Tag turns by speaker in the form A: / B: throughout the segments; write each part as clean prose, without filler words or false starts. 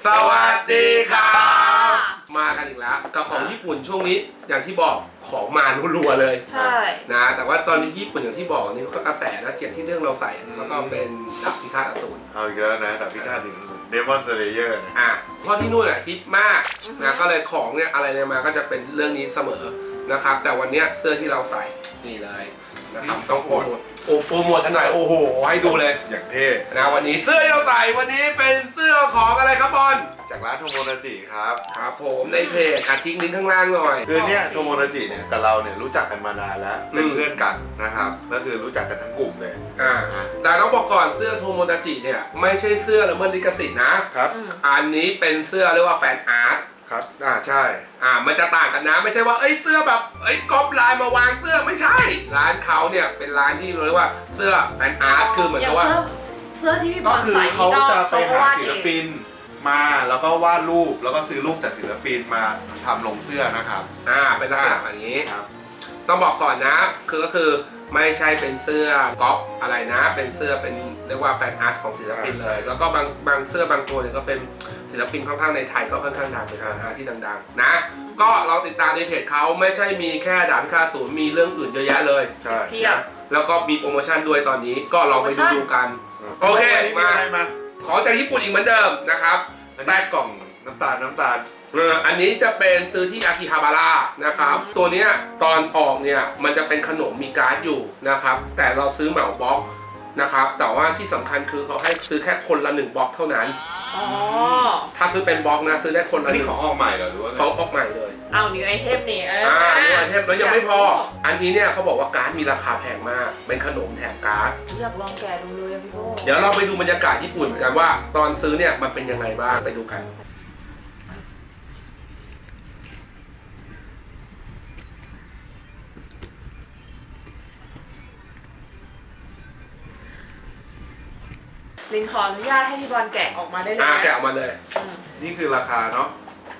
A: สวัสดีครับมากันอีกแล้วกับของญี่ปุ่นช่วงนี้อย่างที่บอกของมารัวๆเลย
B: ใช่
A: นะแต่ว่าตอนนี้ญี่ปุ่นอย่างที่บอกนี่ก็กระแสนะเกี่ยวที่เรื่องเราใส่แล้วก็เป็นดาบพิฆาตอสูร
C: เอาอีกแล้วนะดาบพิฆาตถึงเดมอนสเลเยอร์
A: เพราะที่นู่นฮิตมากนะก็เลยของเนี่ยอะไรเนี่ยมาก็จะเป็นเรื่องนี้เสมอนะครับแต่วันนี้เสื้อที่เราใส่นี่เลยนะครับต้องโปรโมทกันหน่อยโอ้โหให้ดูเลย
C: อย่างเท่
A: นะวันนี้เสื้อที่เราใส่วันนี้เป็นเสื้อของอะไรครับบอล
C: จากร้านโทโมนาจิครับ
A: ครับผมในเพจทิ้งลิงก์ข้างล่างหน่อย
C: คือเนี่ยโทโมนาจิเนี่ยกับเราเนี่ยรู้จักกันมานานแล้วเป็นเพื่อนกันนะครับก็คือรู้จักกันทั้งกลุ่มเลย
A: แต่ต้องบอกก่อนเสื้อโทโมนาจิเนี่ยไม่ใช่เสื้อละเมิดลิขสิทธิ์นะครับ อันนี้เป็นเสื้อเรียกว่าแฟนอาร์ต
C: ครับใช่
A: มันจะต่างกันนะไม่ใช่ว่าเสื้อแบบก๊อปลายมาวางเสื้อไม่ใช่ร้านเขาเนี่ยเป็นร้านที่เรียกว่าเสื้อแฟนอาร์ตคือเหมือนกับว่า
B: เสื้อที่พี่บ
C: ก็
B: อล
C: คือ
B: ใส่
C: เขาจะไปหาศิล
B: น
C: ปินมาแล้วก็วาดรูปแล้วก็ซื้อรูปจากศิลปินมาทำลงเสื้อนะครับ
A: เป็นลักษณะอย่างนี้
C: ครับ
A: ต้องบอกก่อนนะก็คือไม่ใช่เป็นเสื้อก๊อปอะไรนะเป็นเสื้อเป็นเรียกว่าแฟนอาร์ตของศิลปินเลยแล้วก็บางเสื้อบางตัวเนี่ยก็เป็นศิลปินค่อนข้างในไทยก็ค่อนข้างดังเป็นแฟนอาร์ตที่ดังๆนะก็เราติดตามในเพจเขาไม่ใช่มีแค่ดาบพิฆาตอสูรมีเรื่องอื่นเยอะแยะเลย
C: ใช่
B: เทียบ
A: แล้วก็มีโปรโมชั่นด้วยตอนนี้ก็ลองไปดูกัน โอเค
C: มา
A: มาของจากญี่ปุ่นอีกเหมือนเดิมนะครับ
C: อันนี้กล่องน้ำตาล
A: อันนี้จะเป็นซื้อที่อากิฮาบาระนะครับตัวเนี้ยตอนออกเนี่ยมันจะเป็นขนมมีการ์ดอยู่นะครับแต่เราซื้อเหมาบล็อกนะครับแต่ว่าที่สำคัญคือเขาให้ซื้อแค่คนละ1บล็อกเท่านั้น
B: อ๋อ
A: ถ้าซื้อเป็นบล็อกนะซื้อได้คน
C: อั
A: ละ
C: น
A: ห
C: นี้
A: นึ่ง
C: ของออกใหม่เหรอหรือว่าไง
A: เขาออกใหม่เลย
B: เอานิวไอเทมนี่
A: นิวไอเทมแล้วยังไม่พออันนี้เนี่ยเขาบอกว่าการ์ดมีราคาแพงมากเป็นขนมแถมการ์ด
B: อยากลองแกะดูเลยพี่โบ
A: เดี๋ยวเราไปดูบรรยากาศญี่ปุ่นกันว่าตอนซื้อเนี่ยมันเป็นยังไงบ้างไปดูกัน
B: ลินขออนุญาตให้พี่บอลแกะออกมาได้เลย
A: แกะออกมาเลย
C: นี่คือราคาเนาะ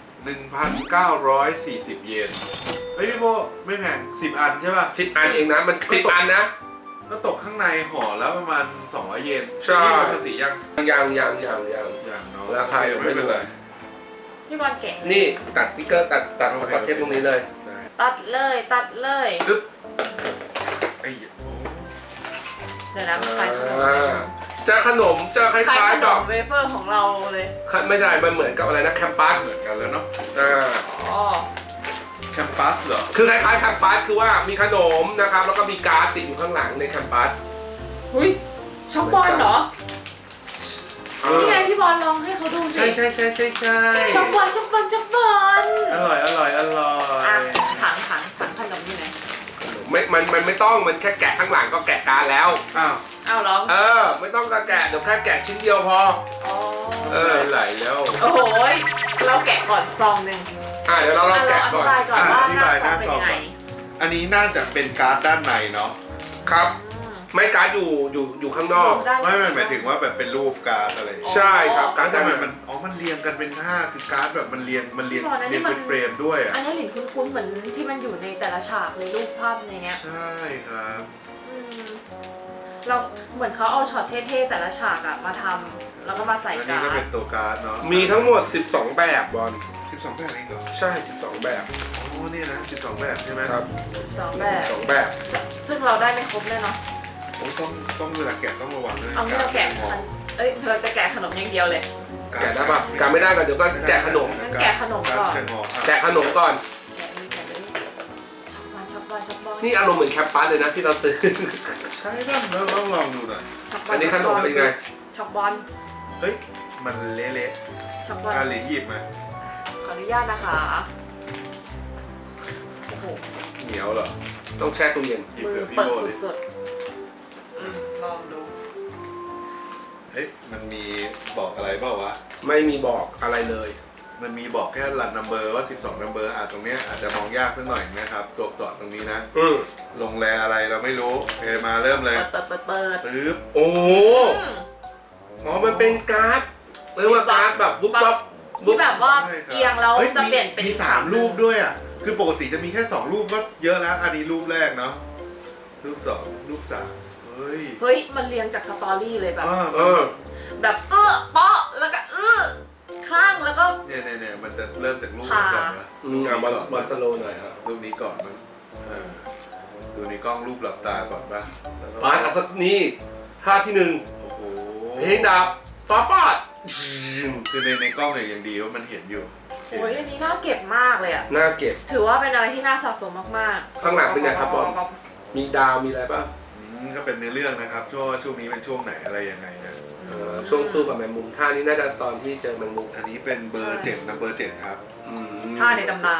C: 1,940 เยนเฮ้ยพี่โบไม่แพง10 อันใช่ป่ะ
A: 10 อันเองนะมัน10 อันนะ
C: ก็ตกข้างในห่อแล้วประมาณ200 เยน
A: ใช่
C: นี่เป็นภาษียัง
A: ยัง
C: อย่างเนาะ
A: ราคายังไม่เป็นไร
B: พี่บอลแกะ
A: นี่ตัดสติ๊กเกอร์ตัดสกอตเทปตรงนี้เลย
C: ได้
B: ตัดเลย
A: ปึ๊บ
C: ไอ้
B: เดี๋ยวนะขายขนม
A: จะขนมจะค
B: ขาย
A: ล้าย
B: ข
A: ๆ
B: น
A: กับ
B: มเวเฟอร์ของเราเลย
A: ไม่ใช่มันเหมือนกับอะไรนะแคมปัส
C: เหมือนกันแล้วเนาะ
B: อ๋อ
C: แคมปัสเหรอ
A: คือคล้ายๆแคมปัสคือว่ามีขนมนะครับแล้วก็มีการ์ดติดอยู่ข้างหลังในแคมปัส
B: หุ้ยช็อกบอลเหรอนี่ไงพี่บอลลองให้เขาดูสิ
A: ใช่
B: ช็อกบอล
C: อร่อย
B: อ่ะถังขนมอยู่ไหน
A: มันไม่ต้องมันแค่แกะข้างหลังก็แกะการ์ดแล้ว
B: อ้าวเหรอ
A: ไม่ต้องแกะเดี๋ยวแค่แกะชิ้นเดียวพอ
B: อ๋อ
C: ไหลแล้ว
B: โอ้โหเราแกะก่อนซองหนึ่ง
A: เดี๋ยวเราลองแกะก่อน
B: อธิบายก่อนว่า
C: อธิ
B: หน้า
C: บาย
B: ซองเป็น
C: หน้าซอง
B: ยังไง
C: อันนี้น่าจะเป็นการ์ดด้านในเนาะ
A: ครับไม่การ์ดอยู่ข้างนอก
C: ไม่หมายถึงว่าแบบเป็นรูปการ์ดอะไร
A: ใช่ครับการ์ด
C: ทำไม
A: มั
C: มันเรียงกันเป็นท่าคือการ์ดแบบมันเรียงเป็นเฟรมด้วยอ่ะ
B: อันนี้หลินคุ้นๆเหมือนที่มันอยู่ในแต่ละฉากเลยรูปภาพในเนี้ย
C: ใช่ครับ
B: เราเหมือนเขาเอาช็อตเท่ๆแต่ละฉากอะมาทำแล้วก็มาใส่
C: อัน
B: กา
C: นี้
B: ร์
C: ก็
B: ด
C: เป็นตัวการ์ดเนาะ
A: มีทั้งหมด 12 แบบบอล
C: 12 แบบเองเหรอ
A: ใช่12 แบบ
C: อ๋อเนี่ยนะ12 แบบใช่ไหม
A: ครับ
B: สองแบบ
A: 12 แบบ
B: ซึ่งเราได้ไม่ครบเลยเนาะ
C: โอ้ต้องเวลาแกะต้องระวังด้วย
B: เอาที่เราแกะเราจะแกะขนมอย่างเดียวเลย
A: แกะได้ปะแกะไม่ได้ก็เดี๋ยวก็แกะขนม
B: งั้นแกะขนมก่อน
A: แกะขนมก่อน
B: แกะเลยช็อกบอล
A: นี่อารมณ์เหมือนแคปปัสเลยนะที่เราซื้อ
C: ใช่ป่ะเราต้องลองดูหน่อย
A: อันนี้ขนมเป็นไง
B: ช็อกบอล
C: เฮ้ยมันเละ
B: ช็อกบอล
C: ๆหลินหยิบมา
B: ขออนุญาตนะคะโอ้โห
C: เหนียวเหรอ
A: ต้องแช่ตู้เย็น
C: หยิบ
B: มือ
C: เผื่อพี่
B: เปิด
C: โบดิ
B: สุดๆลองดู
C: เฮ้ยมันมีบอกอะไรเปล่าวะ
A: ไม่มีบอกอะไรเลย
C: มันมีบอกแค่รันนัมเบอร์ว่า12นัมเบอร์ตรงเนี้ยอาจจะมองยากสักหน่อยนะครับตัวอักษรตรงนี้นะ ลงแรอะไรเราไม่รู้โอเคมาเริ่มเลย
B: เปิด
C: ปึ๊บ
A: โอ้มันเป็นการ์ดเรียกว่าการ์ดแบบบุ๊บบ๊อบ
B: ที่แบบว่าเอียงแล้วจะเปลี่ยนเป็น
C: มี3รูปด้วยอ่ะคือปกติจะมีแค่2รูปก็เยอะแล้วอันนี้รูปแรกเนาะรูป2รูป3เฮ้ย
B: มันเรียงจากสตอรี่เลยแบบ
A: เออ
B: แบบเปาะแล้วก็ข้าง
C: จะเริ่มจากรูปนี้ก่อนนะ
A: บอลสโลว์หน่อยอ่ะ
C: รูปนี้ก่อนมั้งดูในกล้องรูปหลับตาก่อนป่ะแล้วก็
A: บาสสักนี่ท่าที่หนึ่ง
C: โอ้โห
A: เพลงดาบฟ้าฟาด
C: คือในกล้องเนี่ยยังดีว่ามันเห็นอยู่
B: โอ้ยอันนี้น่าเก็บมากเลยอ่ะ
A: น่าเก็บ
B: ถือว่าเป็นอะไรที่น่าสะสมมากๆ
A: ข้างหลังเป็นไงครับบอล มีดาวมีอะไรป่ะ
C: ก็เป็นในเรื่องนะครับช่วงนี้เป็นช่วงไหนอะไรยังไงนะ
A: ช่วงสู้กับแมงมุมท่านี้น่าจะตอนที่เจอแมงมุม
C: อันนี้เป็นเบอร์7นะเบอร์7ครับ
B: ท่าในตำนาน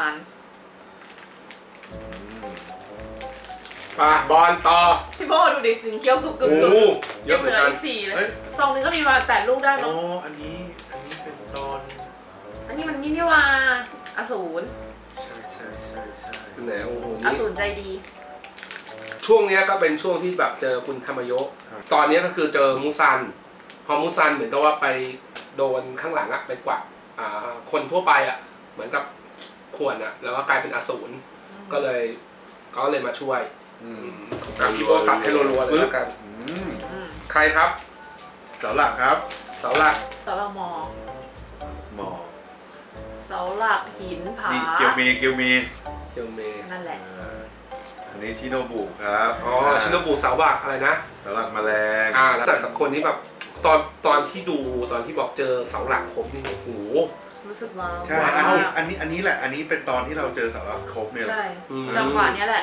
A: ปะบอลต่อ
B: พี่โบดูดิถึงเคี้ยวกรุบกรุบ
A: โอ้
B: กรุบ
A: เยอะเหมือนกัน
B: ก4เล
C: เฮ้
B: ย
C: ย
B: ซองหนึงก็มีมา8 ลูกได้
C: อ๋อ
B: เนาะ
C: อันนี้เป็นตอน
B: อันนี้มันนี่ว่าอสูร
C: ใช่
A: ไหนโอ้โห
B: อ
A: นี่
B: สูรใจดี
A: ช่วงเนี้ยก็เป็นช่วงที่แบบเจอคุณธรรมโยะตอนเนี้ยก็คือเจอมูซัน พอมูซันเหมือนกับว่าไปโดนข้างหลังอะไปกวักคนทั่วไปอะเหมือนกับข่วนอะแล้วก็กลายเป็นอสูรก็เลยเขาเลยมาช่วยพี่โบตัดให้รัวๆเลยแล้วกัน ใครครับ
C: เสาหลักครับ
A: เสาหลัก
B: เสาหลักหมอ
C: หมอ
B: เสาหลักหินผา
C: นี่เกียวมี
A: เกียวเม
B: นั่นแหละ
C: อันนี้ชิโนบุครับ
A: อ๋อชินโนบุเสาหลักอะไรนะ
C: เสาหลักแมลง
A: แล้วแต่กับคนนี้แบบตอนที่ดูตอนที่บอกเจอเสาหลักครบนี่โอ้โห
B: รู้สึกว้าว
C: ใช่
A: ว้าว
C: อันนี้แหละ อันนี้เป็นตอนที่เราเจอเสาหลักครบเนี่ยแหละ
B: ใช่จังหวะเนี้ยแหละ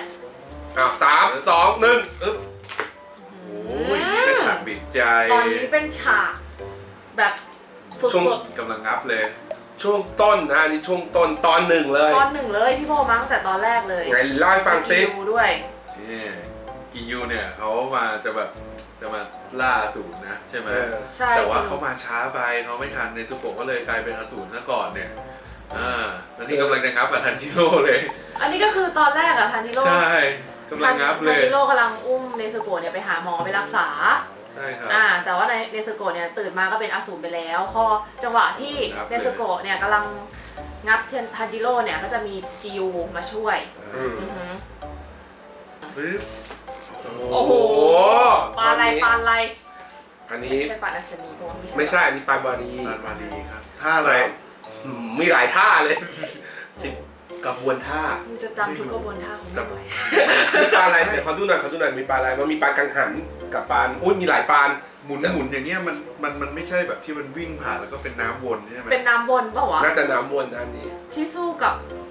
A: 3 2 1
C: อึ๊บโอ้ยนี่ก็ฉากบิดใจ
B: ตอนนี้เป็นฉากแบบสุ
A: ช่วง
B: ด
C: กำลังงับเลย
A: ช่วงต้นนะอันนี่ช่วงต้นตอนหนึ่งเลย
B: ๆตอนหนึ่งเลยพี่โบมาตั้งแต่ตอนแรกเลย
A: ไงเล่าให้ฟังซิ
B: ดูด้วย
C: นี่กิยูเนี่ยเขามาจะมาล่าอสูรนะใช่ไหม
B: ใช่
C: แต่ว่าเขามาช้าไปเขาไม่ทันในซุโกะก็เลยกลายเป็นอสูรซะก่อนเนี่ยแล้วนี่กำลังจะงับกับทันจิโร่เลย
B: อันนี้ก็คือตอนแรกอะทันจิโร่
C: ใช่กำลังงับเล
B: ทัน
C: ย
B: จิโร่กำลังอุ้มเนซึโกะเนี่ยไปหาหมอไปรักษา
C: ใช่ครับ
B: แต่ว่าในเนซึโกะเนี่ยตื่นมาก็เป็นอสูรไปแล้วพอจังหวะที่
C: งับเลย
B: เนซึโกะเนี่ยกำลังงับทันจิโร่เนี่ยก็จะมีกิยูมาช่วย
A: อืม
B: อือหือ
C: ปึ๊บ
B: โอ้โห ปลาอะไรปลาอะไร
A: อันนี้
B: ใช่ปลาดัชนีปะวะ
A: ไม่ใช่อันนี้ปลาบารี
C: ลานมาดีครับท่าอะไร
A: มีหลายท่าเลย10กระบวนท่า
B: มึงจะจำทุกกระบวนท่าของมันไว้
A: มีปลาอะไรเดี๋ยวขอดูหน่อยมีปลาอะไรมันมีปลากังหันกับปลาอุ้ยมีหลายปลา
C: หมุนอย่างเงี้ยมันไม่ใช่แบบที่มันวิ่งผ่านแล้วก็เป็นน้ำวนใช่ไหม
B: เป็นน้ำวนเปล่าวะ
A: น่าจะน้ำวนอันนี้
B: ที่สู้กับ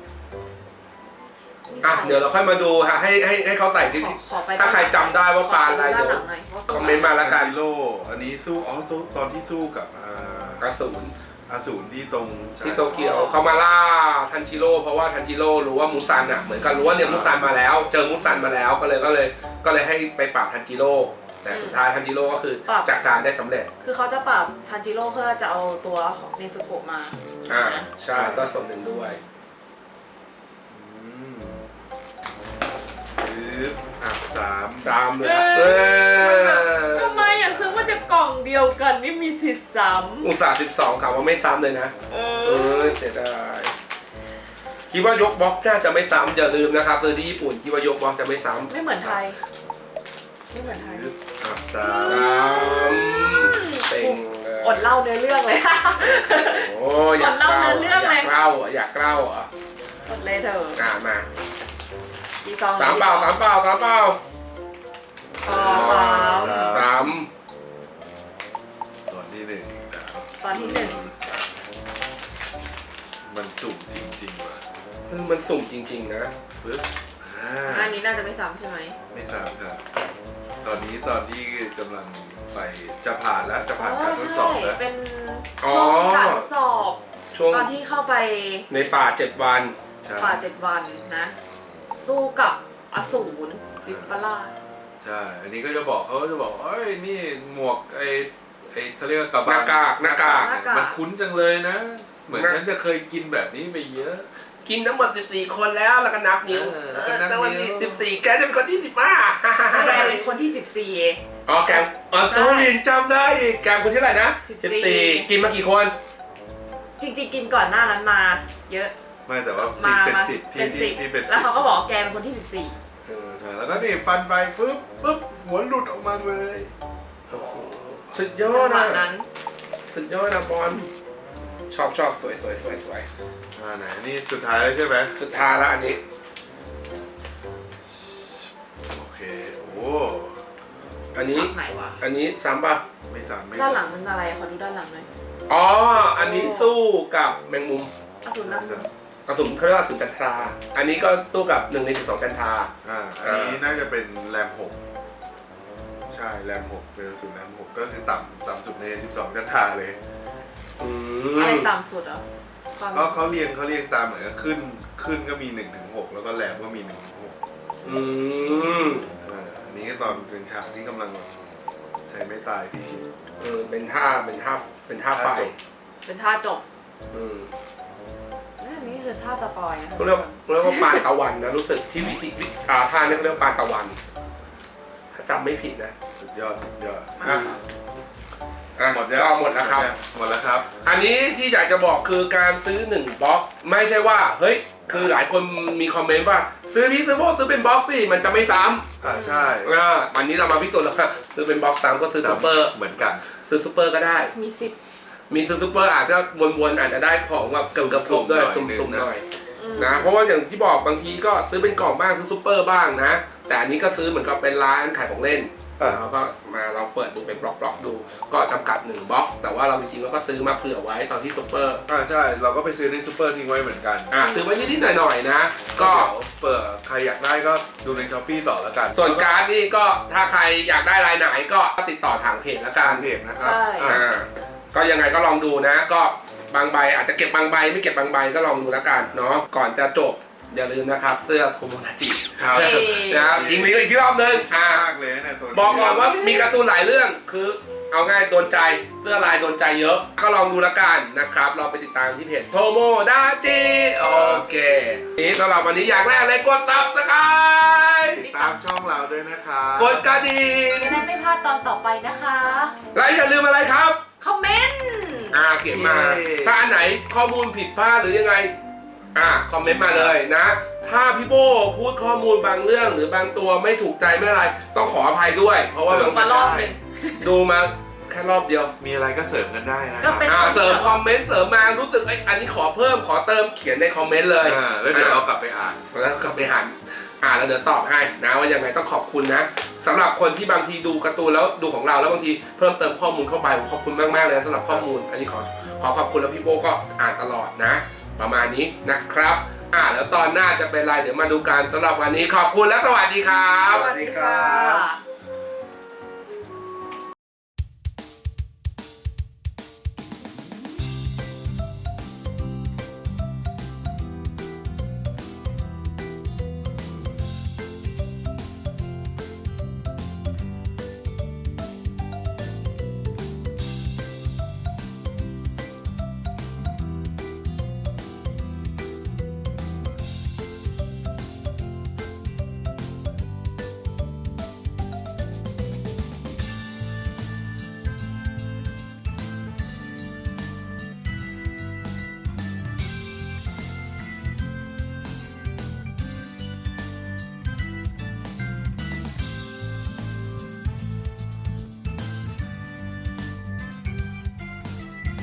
A: เดี๋ยวเราค่อยมาดูฮะให้เขาใส่ที่
B: ขอไป
A: ถ้าใครจำได้ว่าปลาอะไร
B: ด้าน
A: เดี๋ยว
B: หลังหน่อยว่า
A: คอมเมนต์มาแล้วกัน
C: ทันจิโร่อันนี้สู้ตอนที่สู้กับ
A: กระสุน
C: อสูรที่ตรง
A: ที่โตเกียวเขามาล่าทันจิโร่เพราะว่าทันจิโร่รู้ว่ามูซันอ่ะเหมือนกันรู้ว่าเนี่ยมูซันมาแล้ว เจอมูซันมาแล้วก็เลยให้ไปปราบทันจิโร่แต่สุดท้ายทันจิโร่ก็คือจัดการได้สำเร็จ
B: คือเขาจะปราบทันจิโร่เพื่อจะเอาตัวของเนซึโกะมา
A: ใช่ก็ส่วนหนึ่งด้วย
C: ปึ๊บ3
A: 3เลย
B: ทำไมอ่ะซื้อมาจากกล่องเดียวกันไม่มีสิทธิ์ซ้
A: อุตส่าห์12ข่าวว่าไม่ซ้ำเลยนะ
B: ำ
A: เสียดายคิดว่ายกบล็อกน่าจะไม่ซ้ำอย่าลืมนะครับซื้อที่ญี่ปุ่นคิดว่ายกบล็อกจะไม่ซ้ำ
B: ไม่เหมือนไทย ไม่เหมือนไทย
A: เต็งเลย
B: อดเล่าเนื้อเรื่องเลย
A: โอ้อยากเล่า
B: อดเล่าเนื้อเรื่องเลย
A: อยากเล่าอยากเล่าอ่ะ
B: อดเลยเถอะ
A: มา
B: อีซอง
A: สามเปล่า
B: สาม
C: ตอนที่1
B: ตอนที่หนึ่ง
C: มันสุ่มจริงๆว่ะ
A: มันสุ่มจริงๆนะ
C: ปึ๊บ
B: อันนี้น่าจะไม่ซ้ำใช่ไหม
C: ไม่ทราบครับตอนที่กำลังไปจะผ่านแล้วจะผ่านการทดสอบแล้ว
B: เป็น
A: อ๋อ
B: ช่วงการทดสอบ
A: ช่วง
B: ตอนที่เข้าไป
A: ในป่า7 วัน
C: ใช่
B: ป่า7 วันนะ สู้กับอสูรวิปลาส
C: ใช่ อันนี้ก็จะบอกเขาจะบอกเอ้ยนี่หมวกไอ้เขาเรียกว่ากระ
A: ห
C: บั
A: น้าง กาก
C: มันคุ้นจังเลยนะ เหมือนฉันจะเคยกินแบบนี้ไปเยอะ
A: กินทั้งหมด14 คนแล้วก็นับนิ้ว
C: แล้วก็นับนิ้ว
A: แต่วันนี้14แกจะเป็นคนที่15
B: แกเป็นคนที่14
A: อ๋อแกมต้องเรียนจำได้อีกแกมคนที่เท่าไหร่นะ 14กินมากี่คน
B: จริงๆกินก่อนหน้านั้นมาเยอะ
C: ไม่แต่ว่า
B: มา
C: เป็น
B: มา
C: สิบ
B: เป็นสิบ
C: ที่เป็น
B: แล้วเขาก็บอกแกเป็นคนที่
C: ใช่แล้วก็นี่ฟันไปปึ๊บหัวหลุดออกมาเลย
A: สุดย
B: 14
A: อ
B: จั
A: ด
B: งหวะ
A: นะ
B: นั้น
A: สุดยอดนะบอลชอบสวย
C: ไหนนี่สุดท้ายแล้วใช่ไหม
A: สุดท้ายแล้วอันนี้
C: โอเคโอ้
A: อันนี้
B: ไหนวะ
A: อันนี้ซ้ำป่ะ
C: ไม่ซ้ำไม่
B: ด้านหลั
C: ซ้ำ
B: งมันอะไรขอดูด้านหลังหน่อย
A: อ๋ออันนี้สู้กับแมงมุม
B: อสูรนักบุญ
A: กระสุนเขาเรียกว่าอสูรจันทรา อันนี้ก็สู้กับ1 ใน 12จันทรา
C: อันนี้น่าจะเป็นแรม 6ใช่แรม 6เป็นสุดแรม 6ก็คือต่ำสุดใน12จันทราเลย
A: อื
B: อะไร
A: ม
B: ต่ำสุดอ่ะความ
C: ก็เขาเรียงตามเหมือนกับขึ้นก็มี1 ถึง 6แล้วก็แรมก็มี1 ถึง 6
A: อืม
C: อันนี้ก็ตอนเป็นฉากที่กำลังใช้ไม่ตายพี่ชิด
A: เป็นท่าไฟ
B: เป็นท่าจบ
A: อืม
B: นี่คือท่าสปอยนะ
A: เขาเรียกว่าปานตะวันนะรู้สึกที่วิธีท่าเนี่ยเขาเรียกว่าปานตะวัน ถ้าจำไม่ผิดนะ
C: สุดยอด
A: หมด
C: หมดแล้ว
A: ก็หมดแล้วครับ
C: หมดแล้วครับ
A: อันนี้ที่อยากจะบอกคือการซื้อ1บล็อกไม่ใช่ว่าเฮ้ยคือหลายคนมีคอมเมนต์ว่าซื้อพี่ซื้อโบซื้อเป็นบล็อกสิมันจะไม่ซ้ำ
C: ใช่
A: วันนี้เรามาพิสูจน์แล้วว่าซื้อเป็นบล็อกซ้ำก็ซื้อซูเปอร์
C: เหมือนกัน
A: ซื้อซูเปอร์ก็ได้
B: มีสิบ
A: มีซื้อซูเปอร์อาจจะวนๆอาจจะได้ของแบบเกือบๆครบด้วยสุ่มๆหน่อย นะเพราะว่าอย่างที่บอกบางทีก็ซื้อเป็นกล่องบ้างซื้อซูเปอร์บ้างนะแต่อันนี้ก็ซื้อเหมือนกับเป็นร้านขายของเล่นแล้วก็มาเราเปิดดูเป็นบล็อกๆดูก็จำกัด1บล็อกแต่ว่าเราจริงๆเราก็ซื้อมาเผื่อไว้ตอนที่ซูเปอร์
C: ใช่เราก็ไปซื้อในซูเปอร์ทิ้งไว้เหมือนกัน
A: ซื้อไว้นิดๆหน่อยๆนะก็
C: เปิดใครอยากได้ก็ดูในช้อปปี้ต่อแล้วกัน
A: ส่วนการ์ดนี่ก็ถ้าใครอยากได้รายไหนก็ติดต่อทางเพจละกั
C: กาน รเพจนะครับ
A: ก็ยังไงก็ลองดูนะก็บางใบอาจจะเก็บบางใบไม่เก็บบางใบก็ลองดูแล้วกันเนาะก่อนจะจบอย่าลืมนะครับเสื้อโทโมนาจิ
C: ครับ
A: นะทิ้งลิงก์อีกรอบนึง
C: มากเลยนะตัวนี้
A: บอกก่อนว่ามีการ์ตูนหลายเรื่องคือเอาง่ายโดนใจเสื้อลายโดนใจเยอะ ก็ลองดูแล้วกันนะครับเราไปติดตามที่เพจโทโมดาจิโอเคนี้สำหรับวันนี้อย่างแรกเลยกดซับสไครต์
C: ติดตามช่องเราด้วยนะครับ
A: กดกระดิ่ง
B: จะได้ไม่พลาดตอนต่อไปนะคะ
A: และอย่าลืมอะไรครับ
B: คอมเมนต์
A: เขียนมา ถ้าอันไหนข้อมูลผิดพลาดหรือยังไงคอมเมนต์มาเลยนะ ถ้าพี่โบพูดข้อมูลบางเรื่องหรือบางตัวไม่ถูกใจไม่อะไร ต้องขออภัยด้วย เพราะว่าบาง
B: มารอบหนึ่ง
A: ดูมาแค่รอบเดียว
C: มีอะไรก็เสริมกันได้นะค
B: ก็
C: รับ
B: เป็น
A: เสริมคอมเมนต์เสริมมารู้สึกอันนี้ขอเพิ่มขอเติมเขียนในคอมเมนต์เลย
C: แล้วเดี๋ยวเรากลับไปอ่าน
A: แล้วกลับไปหันแล้วเดี๋ยวตอบให้นะว่ายังไงต้องขอบคุณนะสำหรับคนที่บางทีดูการ์ตูนแล้วดูของเราแล้วบางทีเพิ่มเติมข้อมูลเข้าไปผมขอบคุณมากๆเลยสำหรับข้อมูล อันนี้ขอขอบคุณแล้วพี่โบก็อ่านตลอดนะ ประมาณนี้นะครับแล้วตอนหน้าจะเป็นไรเดี๋ยวมาดูกันสำหรับวันนี้ขอบคุณและสวัสดีครับ
B: สวัสดีค่ะ